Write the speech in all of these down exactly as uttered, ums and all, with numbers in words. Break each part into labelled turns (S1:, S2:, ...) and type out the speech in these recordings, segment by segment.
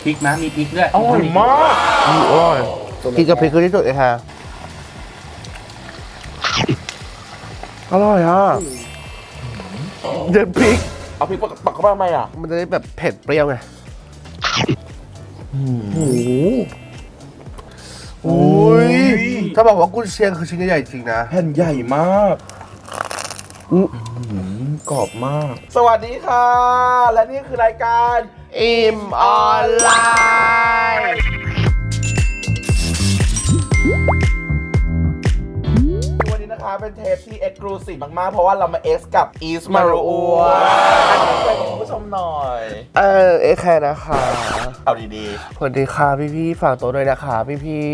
S1: พริกนะมีพริกด้วย
S2: อร่อยมากอร่อยกินกับพริกคือที่สุดเลยค่ะอร่อยอ่ะเด็ดพริกเอาพริกปักเข้ามาทำไมอ่ะมันจะได้แบบเผ็ดเปรี้ยวไงโอ้โหโอ้ยถ้าบอกว่ากุนเชียงคือชิ้นใหญ่จริงนะแผ่นใหญ่มากกรอบมากสวัสดีค่ะและนี่คือรายการอิ่มออนไลน์วันนี้นะคะเป็นเทปที่เอ็กซ์คลูซีฟมากๆเพราะว่าเรามาเอ็กซ์กับอีสมารูอัวอันนี้ช่วยคุณผู้ชมหน่อยเออเอ็กซ์แคร์นะคะเอาดีๆสวัสดีค่ะพี่ๆฝากตัวด้วยนะคะพี่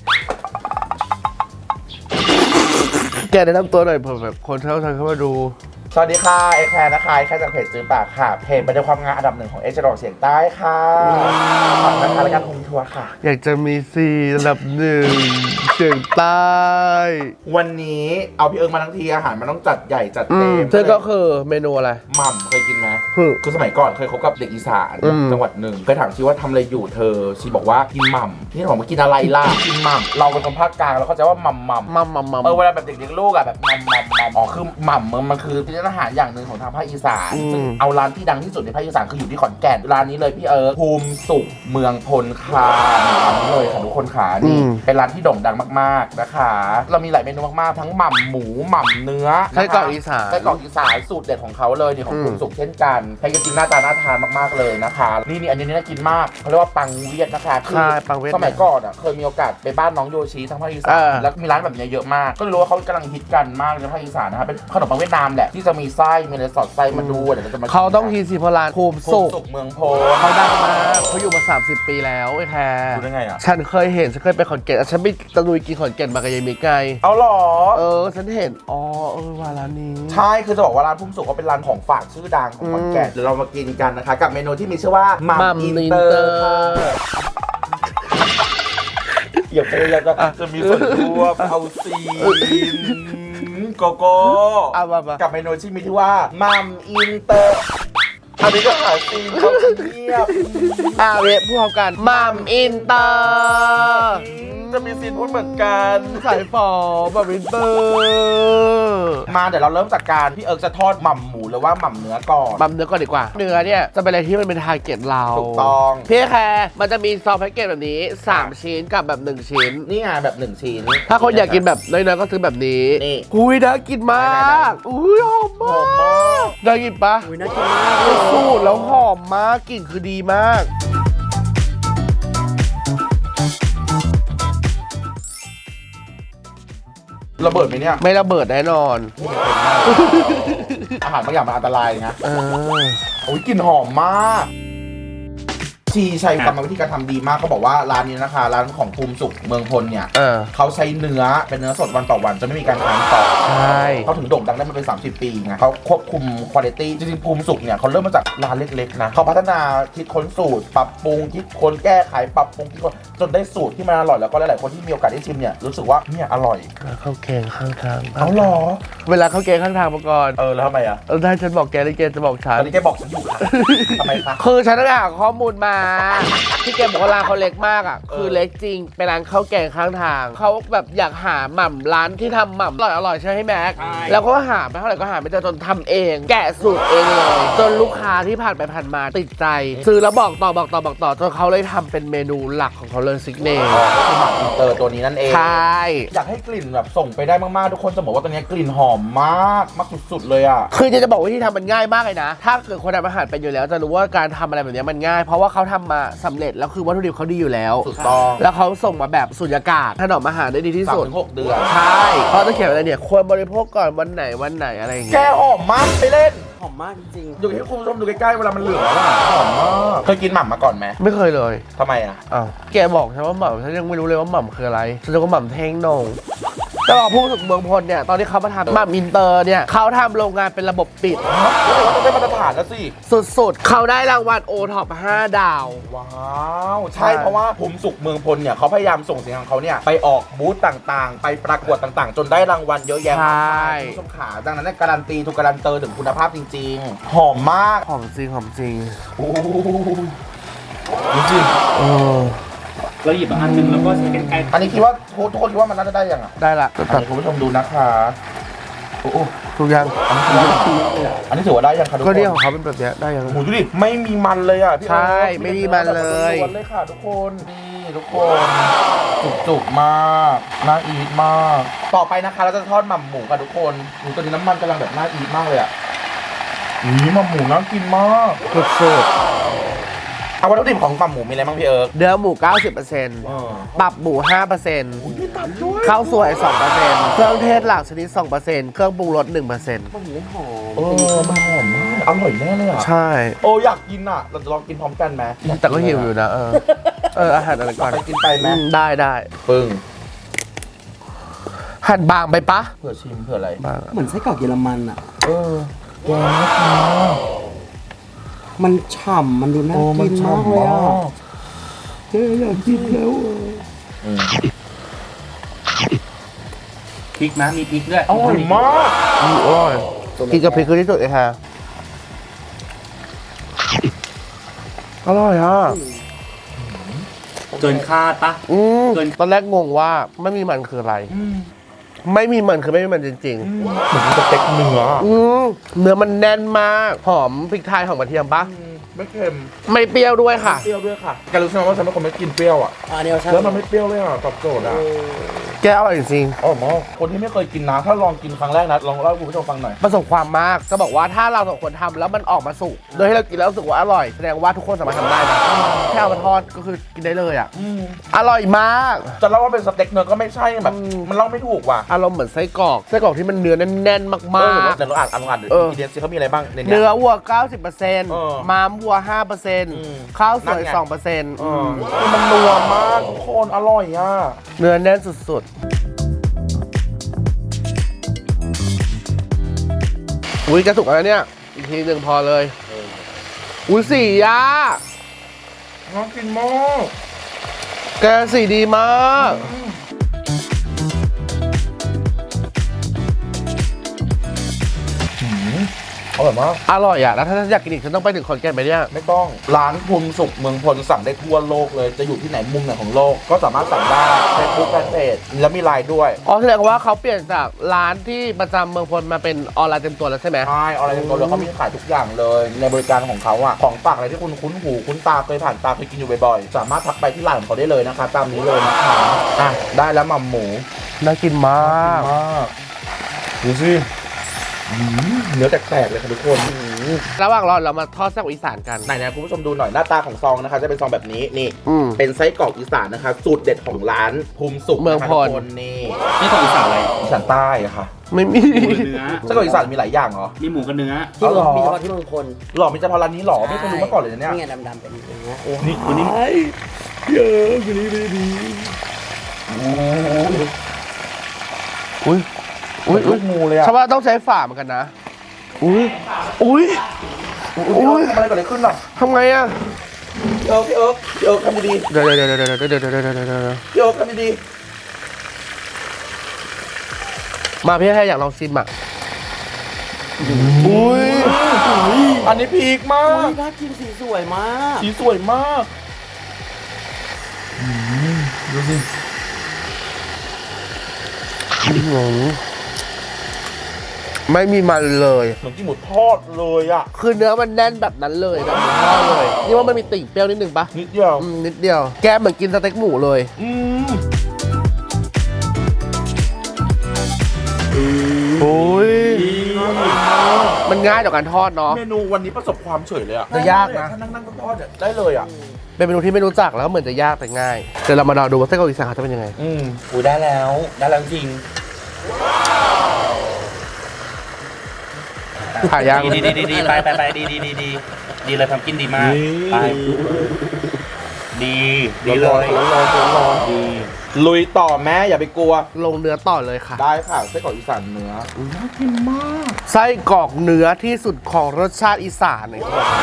S2: ๆแกแนะนำตัวหน่อยเผื่อแบบคนเข้าทางเข้ามาดูสวัสดีค่ะเอ็กแคร์นะคะแค่จากเพจจื้อปากค่ะเพจบรรยายความงานอันดับหนึ่งของเอเชียตะวันออกเฉียงใต้ค่ะฝากนะคะรายการโฮมทัวร์ค่ะอยากจะมีซีอันดับหนึ่งเฉียงใต้วันนี้เอาพี่เอิงมาทั้งทีอาหารมันต้องจัดใหญ่จัดเต็มซึ่งก็คือเมนูอะไรหม่ำเคยกินไหมคือคือสมัยก่อนเคยคบกับเด็กอีสานจังหวัดหนึ่งเคยถามชีว่าทำอะไรอยู่เธอชีบอกว่ากินหม่ำนี่บอกว่ากินอะไรล่ะกินหม่ำเราเป็นคนภาคกลางเราเข้าใจว่าหม่ำหม่ำหม่ำหม่ำเออเวลาแบบเด็กเลี้ยงลูกอะแบบหม่ำหม่ำหม่ำอ๋อคือหม่ำมันคืออาหารอย่างหนึ่งของทางภาคอีสานซึ่งเอาร้านที่ดังที่สุดในภาคอีสานคืออยู่ที่ขอนแก่นร้านนี้เลยพี่เอิร์ธภูมิสุขเมืองพลคาร้านนี้เลยค่ะทุกคนขานี่เป็นร้านที่โด่งดังมากๆนะคะเรามีหลายเมนูมากๆทั้งหม่ำหมูหม่ำเนื้อไส้กรอกอีสานไส้กรอกอีสานสูตรเด็ดของเขาเลยนี่ของภูมิสุขเช่นกันใครจะกินหน้าตาน่าทานมากๆเลยนะคะนี่นี่อันนี้น่ากินมากเขาเรียกว่าปังเวียดนะคะคือสมัยก่อนอ่ะเคยมีโอกาสไปบ้านน้องโยชิทางภาคอีสานแล้วมีร้านแบบนี้เยอะมากก็รู้ว่าเขากำลังฮิตกันมากในภาคอีสานนะคะเป็นขนมปังเวียดนามแหละที่จะมีไส้มีอะไรสอดไส้มาดูเดี๋ยวจะมาเขาต้องทีสิพลานภูมิสุขเมืองโพเขาดังมากเขาอยู่มาสามสิบปีแล้วไอ้แค่ดูได้ไงอ่ะฉันเคยเห็นฉันเคยไปขอนแก่นฉันไปตะลุยกินขอนแก่นมากับยายมิกไงเอาหรอเออฉันเห็นอ๋อเออว่าร้านนี้ใช่คือจะบอกว่าร้านภูมิสุขก็เป็นร้านของฝากชื่อดังของขอนแก่นเดี๋ยวเรามากินกันนะคะกับเมนูที่มีชื่อว่ามัมอินเตอร์อย่าพยายามจะจะมีส่วนร่วมเอาซีนโกโก้กับเมนูที่มีชื่อว่ามัมอินเตอร์อันนี้ก็หาซีนเขาเงียบอาเวพวกกันมัมอินเตอร์จะมีซีนพูดเหมือนกันสายฝอมัมอินเตอร์มาเดี๋ยวเราเริ่มจากการพี่เอิร์กจะทอดหม่ำหมูหรือว่าหม่ำเนื้อก่อนหม่ำเนื้อก่อนดีกว่าเนื้อเนี่ยจะเป็นอะไรที่มันเป็นทาร์เก็ตเราถูกต้องพี่แคร์มันจะมีซองแพ็กเกจแบบนี้สามชิ้นกับแบบหนึ่งชิ้นนี่ไงแบบหนึ่งชิ้นถ้าคนอยากกินแบบน้อยๆก็ซื้อแบบนี้นี่อุ้ยน่ากินมากอุ้ยหอมมากน่ากินปะอุ้ยน่ากินมากสูตรแล้วหอมมากกลิ่นคือดีมากระเบิดไหมเนี่ยไม่ระเบิดแน่นอนอาหารบางอย่างมันอันตรายนะเออโอ้ยกลิ่นหอมมากชีใช้กรรมวิธีการทำดีมากเขาบอกว่าร้านนี้นะคะร้านของภูมิสุขเมืองพลเนี่ย เออเขาใช้เนื้อเป็นเนื้อสดวันต่อวันจะไม่มีการค้างต่อใช่เขาถึงโด่งดังได้มาเป็นสามสิบปีไงเขาควบคุมคุณภาพจริงๆภูมิสุขเนี่ยเขาเริ่มมาจากร้านเล็กๆนะเขาพัฒนาคิดค้นสูตรปรับปรุงคิดค้นแก้ไขปรับปรุงคิดค้นจนได้สูตรที่มันอร่อยแล้วก็หลายๆคนที่มีโอกาสได้ชิมเนี่ยรู้สึกว่าเนี่ยอร่อยข้าวแกงข้างทางเอาหรอเวลาข้าวแกงข้างทางมาก่อนเออแล้วทำไมอ่ะเออได้ฉันบอกแกแล้วแกจะบอกฉันตอนนี้แกบอกฉันอยู่ค่ะทำไมคะคือฉันได้หาข้อมูลมาที่แกบอกว่าร้านเขาเล็กมากอ่ะคือเล็กจริงเป็นร้านข้าวแกงข้างทางเขาแบบอยากหาหม่ำร้านที่ทำหม่ำอร่อยอร่อยใช่ไหมแม็กแล้วก็หาไปเท่าไหร่ก็หาไม่เจอจนทำเองแกะสูตรเองเลยจนลูกค้าที่ผ่านไปผ่านมาติดใจซื้อแล้วบอกต่อบอกต่อบอกต่อจนเขาเลยทำเป็นเมนูหลักของเขาเลยซิกเนเจอร์คือหม่ำอินเตอร์ตัวนี้นั่นเองใช่อยากให้กลิ่นแบบส่งไปได้มากๆทุกคนจะบอกว่าตัวนี้กลิ่นหอมมากมากสุดๆเลยอ่ะคือจะบอกว่าที่ทำมันง่ายมากเลยนะถ้าเกิดคนทำอาหารเป็นอยู่แล้วจะรู้ว่าการทำอะไรแบบนี้มันง่ายเพราะว่าเขาทำมาสำเร็จแล้วคือวัตถุดิบเขาดีอยู่แล้วถูกต้องแล้วเขาส่งมาแบบสุญญากาศถนอมอาหารได้ดีที่สุด สามถึงหก เดือนใช่เขาจะเขียนอะไรเนี่ยควรบริโภคก่อนวันไหนวันไหนอะไรอย่างเงี้ยแกหอมมากไปเล่นหอมมากจริงๆดูให้คุณผู้ชมดูใกล้ๆเวลามันเหลืองแล้วอ่ะหอมมากเคยกินหม่ำมาก่อนไหมไม่เคยเลยทำไมอ่ะอ้าวแกบอกฉันว่าหม่ำฉันยังไม่รู้เลยว่าหม่ำคืออะไรฉันจะก็หม่ำเท่งโหน่งแต่บอกพูดถึงเมืองพลเนี่ยตอนที่เขามาทำหม่ำอินเตอร์เนี่ยเขาทำโรงงานเป็นระบบปิดต้องได้มาตรฐานแล้วสิสุดๆเขาได้รางวัลโอท็อปห้าดาวว้าวใช่เพราะว่าภูมิสุขเมืองพลเนี่ยเขาพยายามส่งสินค้าของเขาเนี่ยไปออกบูธต่างๆไปประกวดต่างๆจนได้รางวัลเยอะแยะมากมายผู้ชมขาดังนั้นการันตีถูกการันเตอร์ถึงคุณภาพจริงๆหอมมากหอมจริงหอมจริงดูสิเออ
S1: เราหยิบอันนึงแล้วก็ใช้กันไกล
S2: อันนี้คิดว่าทุกคนคิดว่ามันน่าจะได้ยังอ่ะ
S3: ได้ละ
S2: ตัดคุณผู้ชมดูนะคะโอ้โห
S3: ทุกอย่าง
S2: อันนี้ถือว่าได้ยังคะทุกคน
S3: ก็เนี่ยของเขาเป็นแบบเนี้ยได้ยัง
S2: โอ้ดูดิไม่มีมันเลยอ่ะพี่
S3: ใช่ไม่มีมันเลย
S2: ล้วนเลยค่ะทุกคนนี่ทุกคนจุกๆมากน่าอีทมากต่อไปนะคะเราจะทอดหม่ำหมูค่ะทุกคนหมูตัวนี้น้ำมันกำลังแบบน่าอีทมากเลยอ่ะนี่หม่ำหมูน่ากินมาก
S3: สุด
S2: เอาวัตถุดิบของหม่ำหมูมีอะไรบ้างพี่เอิร์ก
S3: เนื้อหมู เก้าสิบเปอร์เซ็นต์ ตับหมู ห้าเปอร์เซ็นต์ ข้าวสวย สองเปอร์เซ็นต์ เครื่องเทศหลากชนิด สองเปอร์เซ็นต์ เครื่องปรุงรส หนึ่งเปอร์เซ็นต์
S1: มันไม่หอม
S2: เออมันหอมมากอร่อยแน่เลยอ่ะ
S3: ใช่
S2: โอ้อยากกินอ่ะเราจะลองกินพร้อมกันไหม
S3: แต่ก็หิวอยู่นะเออเอออาหารอะไรก่อน
S2: ไปกินไปไหม
S3: ได้ได้
S2: ปึ้ง
S3: หั่นบางไปปะ
S2: เผื่อชิมเผื่ออะไร
S1: เหมือนไส้กรอกเยอรมันอ่ะ
S2: เออแกงน่ากินมาก
S1: มันฉ่ำมันดูน่ากินมากเลยอ่ะเจ๊อยากกินแล้วพริกนะมีพริกด้วย
S2: อร่อยมาก
S3: อร่อยกินกับพริกคือที่สุดเลยค่ะอร่อยอ่ะ
S1: เกินคาดปะ
S3: อืมตอนแรกงงว่าไม่มีมันคืออะไรไม่มีมันคือไม่มีมันจริงๆ
S2: เหมือนสเต็กเนื้อ
S3: เนื้อมันแน่นมากหอมพริกไทยหอมกระเทียมปะ
S2: ไม่เค็ม
S3: ไม่เปรี้ยวด้วยค่ะ
S2: เปรี้ยวด้วยค่ะแกรู้ใช่ไหมว่าฉันเป็นคนไม่กินเปรี้ยวอ่ะแล้วมันไม่เปรี้ยวเลยอ่ะตอบโจทย์อ่ะ
S3: แกอร่อยจริง
S2: ๆอ๋อหมอคนที่ไม่เคยกินนะถ้าลองกินครั้งแรกนะลองเล่าให้คุณผู้ชมฟังหน่อย
S3: ประสบความมากจะบอกว่าถ้าเราสองคนทำแล้วมันออกมาสุกโดยที่เรากินแล้วรู้สึกว่าอร่อยแสดงว่าทุกคนสามารถทำได้นะแค่เอามาทอดก็คือกินได้เลยอ่ะอร่อยมาก
S2: จะเล่าว่าเป็นสเต็กเนื้อก็ไม่ใช่แบบมันเล่าไม่ถูกว่ะ
S3: อารมณ์เหมือนไส้กรอกไส้กรอกที่มันเนื้อแน่นๆมาก
S2: ๆเดี๋ยวเราอ่านอ่านอินเดียซีเขามีอะไรบ้าง
S3: เนื้อวัว เก้าสิบเปอร์เซ็นต์ ม้ามวัว ห้าเปอร์เซ็นต์ ข้าวสวย สองเปอร์เซ็นต์
S2: มันนัวมากทุกคนอร่อยอ่ะ
S3: เนื้อแน่นสุดๆอุ้ยกระสุกอะไรเนี่ยอีกทีหนึ่งพอเลยอุ้ยสีอ่ะ
S2: น่ากินมาก
S3: แกสีดีมาก
S2: อร่อยมาก
S3: อร่อยอ่ะแล้วถ้าอยากกินอีกฉันต้องไปถึงขอนแก่นไหมเนี่ย
S2: ไม่ต้องร้านภูมิสุขเมืองพลสั่งได้ทั่วโลกเลยจะอยู่ที่ไหนมุมไหนของโลกก็สามารถสั่งได้เฟซบุ๊กแฟนเพจแล้วมีไลน์ด้วย
S3: อ๋อแสดงว่าเขาเปลี่ยนจากร้านที่ประจำเมืองพลมาเป็นออนไลน์เต็มตัวแล้วใช่ไหม
S2: ใช่ออนไลน์เต็มตัวแล้วเขามีขายทุกอย่างเลยในบริการของเขาอ่ะของฝากอะไรที่คุณคุ้นหูคุ้นตาเคยผ่านตาเคยกินอยู่บ่อยๆสามารถทักไปที่ไลน์ของเขาได้เลยนะคะตามนี้เลยนะคะอ่ะได้แล้วหม่ำหมู
S3: น่ากินมาก
S2: ดูสิเนื้อแตกๆเลยค่ะทุกคน
S3: ระหว่างรอเรามาทอดไส้กรอกอีสานกัน
S2: ไหนๆคุณผู้ชมดูหน่อยหน้าตาของซองนะคะจะเป็นซองแบบนี้นี่เป็นไส้กรอกอีสานนะคะสูตรเด็ดของร้านภูมิสุข
S3: เมืองพล
S2: นี่
S1: ไส้กรอกอีสานอะไร
S2: อีสานใต้ค่ะ
S3: ไม่มี
S1: เนื้อ
S2: ไส้กรอกอีสานมีหลายอย่างเหรอ
S1: มีหมูกับเนื้อ
S2: ที่
S1: มีเฉพาะที่เมืองพล
S2: หรอมีเฉพาะร้านนี้หรอไม่เคยรู้มาก่อนเลยเนี่ย
S1: นี่ไงดำๆเป็นเนื้อ
S2: นี่คนนี้เยอะคนนี้ไม่ดี
S3: อุ้ยอุ้ย
S2: ลูกงูเลยอะ
S3: ชาวบ้านต้องใช้ฝ่าเหมือนกันนะอุ้ยอุ้ย
S2: อุ้ยทำอะไรก่อนเลยขึ้นหรอ
S3: ทำไงอะ
S2: พี่เอิร์กพี่เอิร์กพี่เอิร์กทำดี
S3: ๆเดี๋ยวเดี๋ยวเดี๋ยวเดี๋ยวเดี๋ยวเดี๋ยวเดี๋ยวเดี๋ยวเดี๋ยว
S2: พี่เอิร์กทำดี
S3: ๆมาพี่แค่อยากลองชิมอ่ะอุ้ย
S2: อันนี้พีคมาก
S1: น่ากินสีสวยมาก
S2: สีสวยมากดูสิ
S3: ไม่มีมันเลย
S2: เหมือนกินหมูทอดเลยอ่ะ
S3: คือเนื้อมันแน่นแบบนั้นเลยแบบหมูทอดเลยนี่ว่ามันมีติ่งเปรี้ยวนิดนึงปะ
S2: นิดเดียว
S3: นิดเดียวแกเหมือนกินสเต็กหมูเลยอืมโอ้ยมันง่ายต่อการทอดเนาะ
S2: เมนูวันนี้ประสบความเฉยเลยอ่ะ
S3: จะยากนะ
S2: ถ้านั่งๆทอดได้เลยอ่ะ
S3: เป็นเมนูที่ไม่รู้จักแล้วเหมือนจะยากแต่ง่ายเดี๋ยวเรามาดูว่าไส้กรอกอีสานจะเป็นยังไง
S2: อืมอุ้ยได้แล้วได้แล้วจริง
S3: ถ่ายยัง
S1: ดีดีดีดีไปไปไปดีดีดีดีดีเลยทำกินดีมากไปดีดีเลย
S2: ร้อนร้อนร้อนดีลุยต่อแม่อย่าไปกลัว
S3: ลงเนื้อต่อเลยค่ะ
S2: ได้ค่ะไส้กรอกอีสานเนื้อน่ากินมาก
S3: ไส้กรอกเนื้อที่สุดของรสชาติอีสานเลย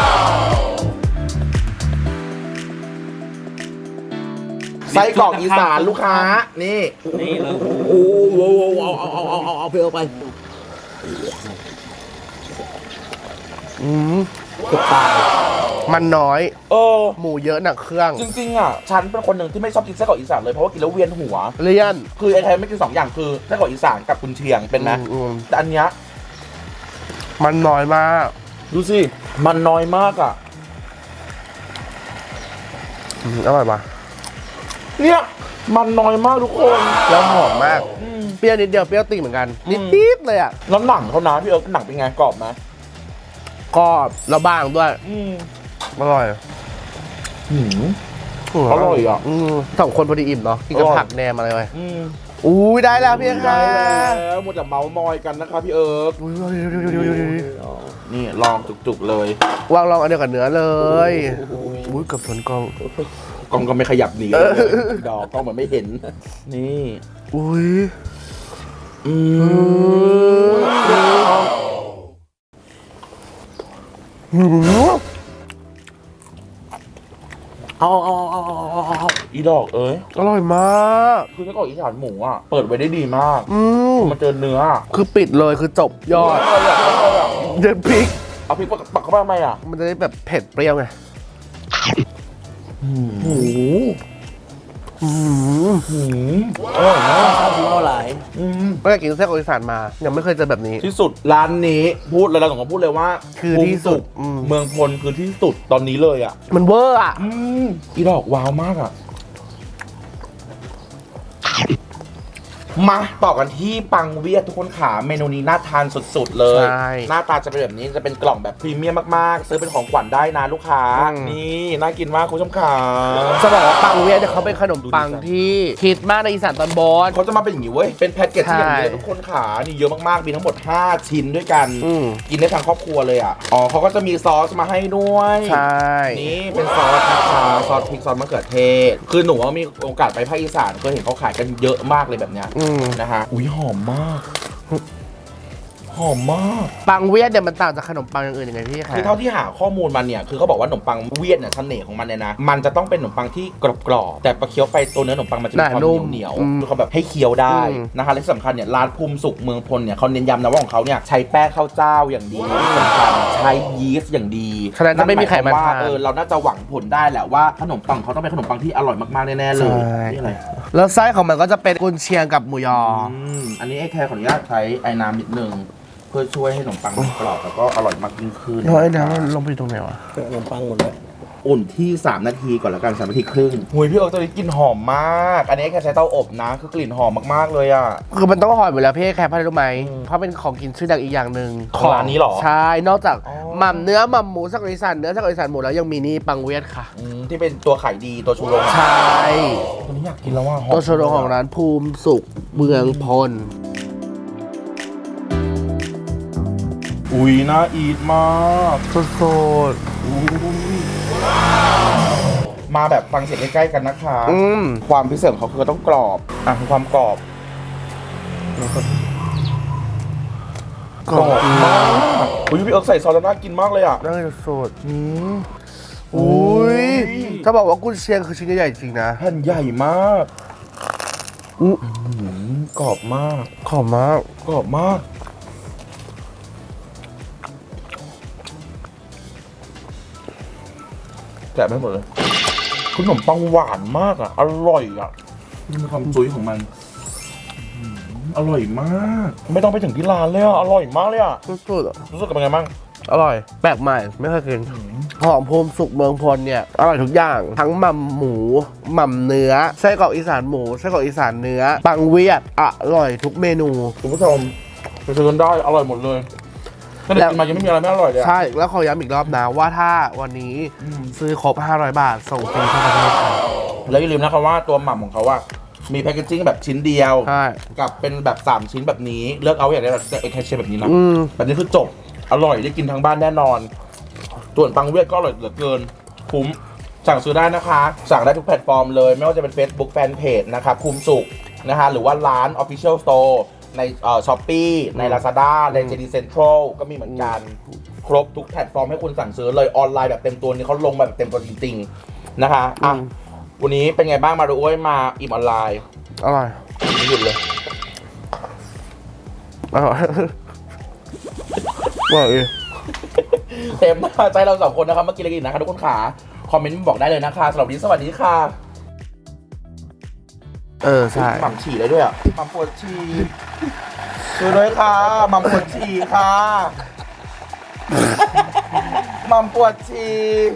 S2: ไส้กรอกอีสานลูกค้านี่
S1: นี่เลย
S2: โอ้โหเอาเอาเอาเอาเอาเอาเพื่อไป
S3: อืม
S1: กระตาย
S3: มันน้อย
S2: เออ
S3: หมูเยอะหนักเครื่อง
S2: จริงๆอ่ะฉันเป็นคนหนึ่งที่ไม่ชอบกินไส้กรอกอีสานเลยเพราะว่ากินแล้วเวียนหัว
S3: เลี่ยน
S2: คือไอ้ไทยไม่กินสองอย่างคือไส้กรอกอีสานกับกุนเชียงเป็นไหม
S3: อืม
S2: แต่อันเนี้ย
S3: มันน้อยมาก
S2: ดูสิมันน้อยมากอ่ะ
S3: อืมอร่อยปะ
S2: เนี่ยมันน้อยมากทุกคน
S3: แล้วหอมมาก
S2: อืม
S3: เปรี้ยวนิดเดียวเปรี้ยวติ่งเหมือนกัน
S2: อืม
S3: นิดๆเลยอ่ะ
S2: แล้วหนังเขานะพี่เอิร์กหนังเป็นไงกรอบไหม
S3: กรอบแล้วบางด้วย
S2: อืม
S3: อร่อย
S2: หืม อร่อยอ่ะ
S3: อืมสองคนพอดีอิ่มเนาะกินกับ
S2: อร่อย
S3: ผักแหนมอะไรไป
S2: อืม
S3: อุ้ยได้แล้วพี่ค่ะ
S2: แล้วหมดแต่เมาส์มอยกันนะคะพี่เอิร์ก
S3: อุ้ย
S2: นี่ลองจุกๆเลยว
S3: างลองอันเดียวกับเนื้อเลยอุ้ยเกับชนกล้อง
S2: กล้องก็ไม่ขยับหนีเลยดอกกล้องเหมือนไม่เห็น นี่
S3: อุ้ย
S2: อืม
S3: หืม
S2: เอาเอาเอาเอาเอาเอาอีดอกเอ้ย
S3: อร่อยมาก
S2: คือไส้กรอกอีสานหมูอ่ะเปิดไว้ได้ดีมาก
S3: อืม
S2: มาเจอเนื้อ
S3: คือปิดเลยคือจบยอด
S2: เอาเลยอ่ะเอาเลยอ่ะ
S3: เด็ดพริก
S2: เอาพริกปักเข้าไปทำไมอ่ะ
S3: มันจะได้แบบเผ็ดเปรี้ยวไง
S2: หมู
S3: อืม
S2: หมูอร่อยมาก
S4: ข้าวทิ้งเอาหลาย
S2: อืม
S3: ก็อยากกินไส้กรอกอีสานมา ยังไม่เคยเจอแบบนี้
S2: ที่สุดร้านนี้พูดเลยเราสองคนพูดเลยว่า
S3: คือที่สุดอืม
S2: เมืองพลคือที่สุดตอนนี้เลยอ่ะ
S3: มันเวอร์อ่ะ
S2: อืมอีดอกว้าวมากอ่ะ มาต่อกันที่ปังเวียดทุกคนขาเมนูนี้น่าทานสุดๆเลย
S3: ใช่
S2: หน้าตาจะเป็นแบบนี้จะเป็นกล่องแบบพรีเมียมมากๆ ซื้อเป็นของขวัญได้นะลูกค้า
S3: อืม
S2: นี่น่ากินมากคุณผู้ชมขา
S3: จะบอกว่าปังเวียดเนี่ยเขาเป็นขนมปัง
S2: ดูดิ
S3: ที่ฮิตมากในอีสานตอนบน
S2: เขาจะมาเป็นอย่างนี้เว้ยเป็นแพ็กเกจที่อย่างนี้
S3: ใช่
S2: เลยทุกคนขานี่เยอะมากๆมีทั้งหมดห้าชิ้นด้วยกัน
S3: อืม
S2: กินได้ทั้งครอบครัวเลยอ่ะอ๋อเขาก็จะมีซอสมาให้ด้วย
S3: ใช่
S2: นี่เป็นซอสนะคะซอสพริกซอสมะเขือเทศ คือหนูว่ามีโอกาสไปภาคอีสานเคยเห็นเขาขายกันเยอะมากเลยแบบเนี้ย
S3: อืม
S2: นะฮะอุ้ยหอมมาก หอมมาก
S3: ปังเวียดเนี่ยมันต่างจากขนมปังอย่างอื่นยังไงพี่คะ
S2: คือเท่าที่หาข้อมูลมันเนี่ยคือเขาบอกว่าขนมปังเวียดเนี่ยเสน่ห์ของมันเนี่ยนะมันจะต้องเป็นขนมปังที่กรอบๆแต่พอเคี้ยวไปตัวเนื้อขนมปังมันจะมีความเหนียวเหนียวๆคือเขาแบบให้เคี้ยวได้นะคะและที่สำคัญเนี่ยร้านภูมิสุขเมืองพลเนี่ยเขาเน้นย้ำนะว่าของเขาเนี่ยใช้แป้งข้าวเจ้าอย่างดีที่สำคัญใช้ยีสต์อย่างดี
S3: ฉะนั้นจะไม่มีไขมัน
S2: ว่า
S3: ทาน
S2: เออเราน่าจะหวังผลได้แหละว่าขนมปังเขาต้องเป็นขนมปังที่อร่อยมากๆแน่ๆเลย
S3: ใช่
S2: นี่อะไร
S3: แล้วไส้ของมันก็จะเป็นกุนเชียงกับหมูยอ
S2: อืมอันนี้ไอ้แคร์ขออนุญาตใช้ไอ้น้ำนิดนึงเพื่อช่วยให้ขนมปังมันกรอบแล้วก็อร่อยมากยิ่งขึ้น
S3: น้อยนะมันลงไปตรงไหนวะ
S4: เป็นขนมปังหมดเลย
S2: อุ่นที่สามนาทีก่อนแล้วกันสามนาทีครึ่งหุยพี่เอิร์กตัวนี้กลิ่นหอมมาก อันนี้แค่ใช้เตาอบนะ คือกลิ่นหอมมากๆเลยอ่ะ
S3: คือมันต้องหอยหมดแล้วพี่แคร์เพราะอะไรรู้ไหมเพราะเป็นของกินชื่อดังอีกอย่างหนึ่ง
S2: ของร้านนี้เหรอ
S3: ใช่ นอกจาก
S2: อ๋อ
S3: หม่ำเนื้อหม่ำหมูสักอีสานเนื้อสักอีสานหมูแล้วยังมีนี่ปังเวียดค่ะ
S2: อืมที่เป็นตัวขายดีตัวชูโรง
S3: ใช่
S2: ตัวนี้อยากกินแล้วว่าหอม
S3: ตัวโชโรของร้านภูมิสุขเมืองพล
S2: อุ้ยน่าอีทมาก
S3: สด
S2: มาแบบฟังเสียงใกล้ๆกันนะคะ
S3: ๆอืม
S2: ความพิเศษของเขาคือต้องกรอบอ่ะคือความกรอบ
S3: กรอบ
S2: มากอุ้ยพี่เอิร์กใส่ซอสแล้วน่ากินมากเลยอ่ะ
S3: ได้สดอืมอุ้ยถ้าบอกว่ากุนเชียงคือชิ้นใหญ่จริงนะ
S2: แผ่นใหญ่มาก
S3: อื้อ
S2: อืมกรอบมาก
S3: ขอบมาก
S2: กรอบมากแกะไม่หมดเลยขนมปังหวานมากอ่ะ อร่อยอ่ะนี่มีความจุ้ยของมันอืมอร่อยมาก ไม่ต้องไปถึงที่ร้านเลยอ่ะ อร่อยมากเลยอ่ะ
S3: สุดๆอะ
S2: รู้สึกเป็นไงบ้าง
S3: อร่อย แปลกใหม่ ไม่เคยกินหอมภูมิสุขเมืองพลเนี่ย อร่อยทุกอย่าง ทั้งหม่ำหมูหม่ำเนื้อไส้กรอกอีสานหมูไส้กรอกอีสานเนื้อ ปังเวียดอร่อยทุกเมนู
S2: คุณผู้ชมไปซื้อกันได้ อร่อยหมดเลยถ้าเด็กกินมายังไม่มีอะไรไม่อร่อยเลยอะ
S3: ใช่ แล้วขอย้ำอีกรอบนะว่าถ้าวันนี้ซื้อครบห้าร้อยบาท ส่งฟรีทั่วประเทศค่ะ
S2: แล้วอย่าลืมนะครับว่าตัวหม่ำของเขาอะมีแพคเกจจิ้งแบบชิ้นเดียว
S3: ใช่
S2: กับเป็นแบบสามชิ้นแบบนี้ เลือกเอาอย่างได้แบบเอ็กแคชเชแบบนี้นะ
S3: อืม
S2: แบบนี้คือจบ อร่อยได้กินทั้งบ้านแน่นอน ส่วนปังเวียดก็อร่อยเหลือเกิน คุ้ม สั่งซื้อได้นะคะ สั่งได้ทุกแพลตฟอร์มเลย ไม่ว่าจะเป็น Facebook Fanpage นะครับภูมิสุขนะคะหรือว่าร้าน Official Store ในเอ่อช้อปปี้ใน Lazada ใน เจ ดี Central ก็มีเหมือนกัน ครบทุกแพลตฟอร์มให้คุณสั่งซื้อเลยออนไลน์แบบเต็มตัวนี่เขาลงมาแบบเต็มตัวจริงๆนะคะอ่ะ
S3: อืม
S2: วันนี้เป็นไงบ้างมาดูอ้วยมาอิ่มออนไลน์
S3: อร่อย
S2: ไม่หยุดเลย
S3: อร่อยอร่อย
S2: เต็มหน้าใจเราสองคนนะครับเมื่อกี้อะไรกินนะคะทุกคนขาคอมเมนต์บอกได้เลยนะคะสำหรับวันนี้สวัสดีค่ะ
S3: เออใช่
S2: หม่ำฉี่เลยด้วยอ่ะหม่ำปวดฉี่ช่วยด้วยค่ะหม่ำปวดฉี่ค่ะหม่ำปวดฉี่